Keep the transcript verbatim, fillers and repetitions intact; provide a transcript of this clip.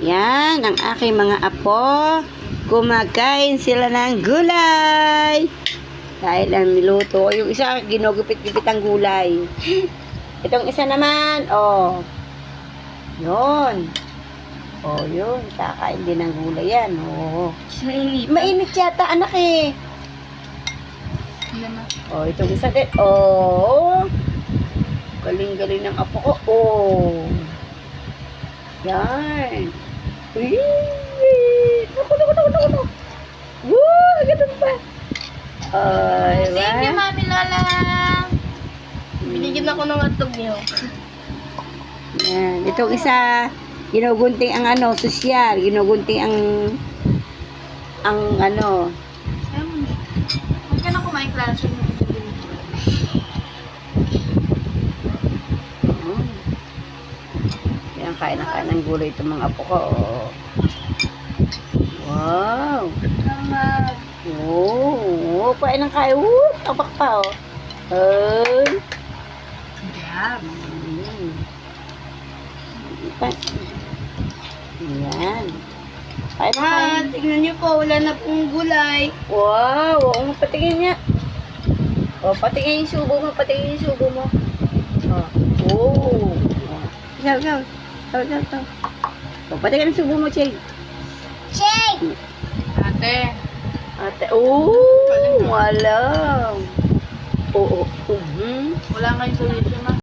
Yan, ang aking mga apo. Kumakain sila ng gulay. Dahil ang niluto. Yung isa, ginugupit-gupit ang gulay. Itong isa naman, oh. Yun. Oh, yun. Kakain din ng gulay yan. Oh. Mainit. Mainit yata, anak eh. Oh, itong isa din. Oh. Galing-galing ng apo ko. Oh. Yan. Uy. Naku, naku, naku, naku, naku. Woo, ganun pa. Ay, Thank you, ba? Mami Lola. Binigyan ako ng atog niyo. Yan. Itong isa, ginugunting ang ano, sosyal. Ginugunting ang ang ano. Huwag ka na kumain klase mo. Oh. Yan, kain na kain ng gulay itong mga apo ko. Oh. Wow. Salamat. Oh, kain ng kain. Woo, tabak pa, oh. Ay. Yum. Mm. Pa- Yan. Kain na Ah, kain. tignan niyo po, wala na pong gulay. Wow, oo, patingin niya. Oh, patingin yung subo mo, patingin yung subo mo. Oh. Oh. Ikaw, ikaw. Ikaw, ikaw, ikaw. Oh, patingin yung subo mo, Chay. Shake! Ate. Ate, oh, wala. Oo, oh, oh. Wala kayong solution, ma.